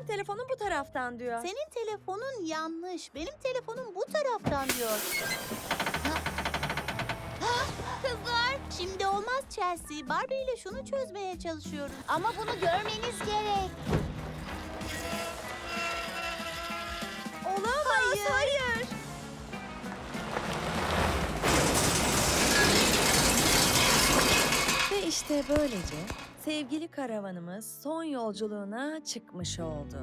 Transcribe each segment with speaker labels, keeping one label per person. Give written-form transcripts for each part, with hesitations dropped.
Speaker 1: benim telefonum bu taraftan diyor.
Speaker 2: Senin telefonun yanlış. Benim telefonum bu taraftan diyor. Kızlar, şimdi olmaz Chelsea. Barbie ile şunu çözmeye çalışıyoruz.
Speaker 3: Ama bunu görmeniz gerek.
Speaker 1: Olamaz. Hayır. Ve işte böylece sevgili karavanımız son yolculuğuna çıkmış oldu.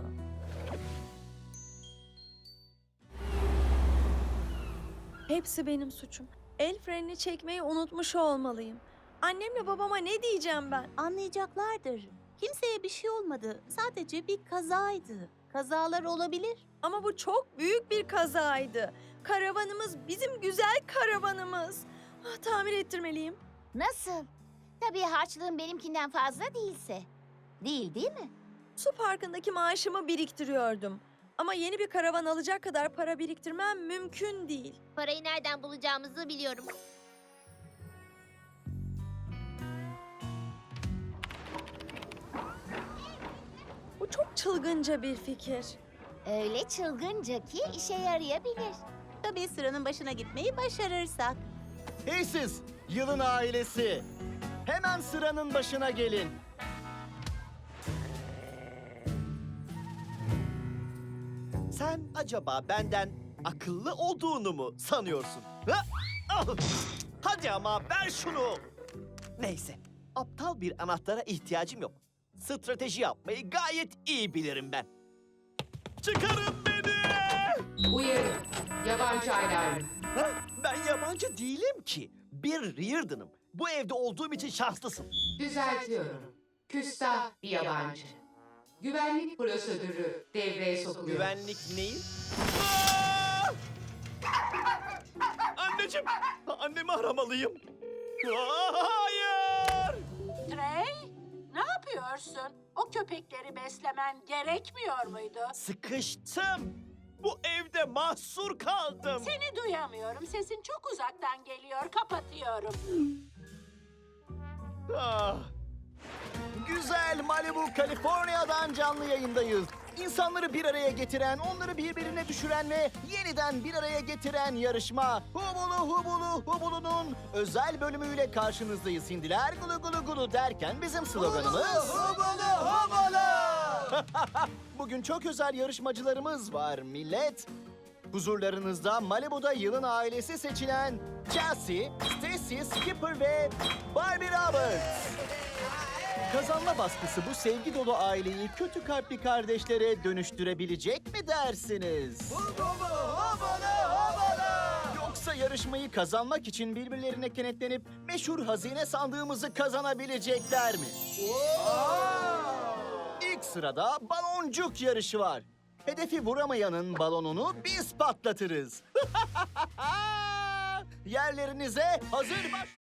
Speaker 1: Hepsi benim suçum. El frenini çekmeyi unutmuş olmalıyım. Annemle babama ne diyeceğim ben?
Speaker 2: Anlayacaklardır. Kimseye bir şey olmadı. Sadece bir kazaydı. Kazalar olabilir.
Speaker 1: Ama bu çok büyük bir kazaydı. Karavanımız bizim güzel karavanımız. Tamir ettirmeliyim.
Speaker 3: Nasıl? Tabii harçlığım benimkinden fazla değilse. Değil mi?
Speaker 1: Su parkındaki maaşımı biriktiriyordum. Ama yeni bir karavan alacak kadar para biriktirmem mümkün değil.
Speaker 3: Parayı nereden bulacağımızı biliyorum.
Speaker 1: Bu çok çılgınca bir fikir.
Speaker 3: Öyle çılgınca ki işe yarayabilir.
Speaker 2: Tabii sıranın başına gitmeyi başarırsak.
Speaker 4: Hey siz, yılın ailesi. Hemen sıranın başına gelin. Sen acaba benden akıllı olduğunu mu sanıyorsun? Ha? Ah! Hadi ama ver şunu. Neyse, aptal bir anahtara ihtiyacım yok. Strateji yapmayı gayet iyi bilirim ben. Çıkarın beni!
Speaker 5: Uyarı. Yabancı alarmı.
Speaker 4: Ha? Ben yabancı değilim ki. Bir Reardon'ım. Bu evde olduğum için şanslısın.
Speaker 5: Düzeltiyorum. Küstah bir yabancı. Güvenlik prosedürü devreye sokuluyor.
Speaker 4: Güvenlik neyi? Aa! Anneciğim, annemi aramalıyım. Hayır!
Speaker 6: Trey, ne yapıyorsun? O köpekleri beslemen gerekmiyor muydu?
Speaker 4: Sıkıştım. Bu evde mahsur kaldım.
Speaker 6: Seni duyamıyorum. Sesin çok uzaktan geliyor. Kapatıyorum.
Speaker 4: Ah. Güzel Malibu, Kaliforniya'dan canlı yayındayız. İnsanları bir araya getiren, onları birbirine düşüren ve yeniden bir araya getiren yarışma Hubulu Hubulu Hubulu'nun özel bölümüyle karşınızdayız. Hindiler gulu gulu gulu derken bizim sloganımız Hubulu Hubulu. Bugün çok özel yarışmacılarımız var millet. Huzurlarınızda Malibu'da yılın ailesi seçilen Chelsea, Stacy, Skipper ve Barbie Roberts. Kazanma baskısı bu sevgi dolu aileyi kötü kalpli kardeşlere dönüştürebilecek mi dersiniz? Yoksa yarışmayı kazanmak için birbirlerine kenetlenip meşhur hazine sandığımızı kazanabilecekler mi? İlk sırada baloncuk yarışı var. Hedefi vuramayanın balonunu biz patlatırız. Yerlerinize hazır baş...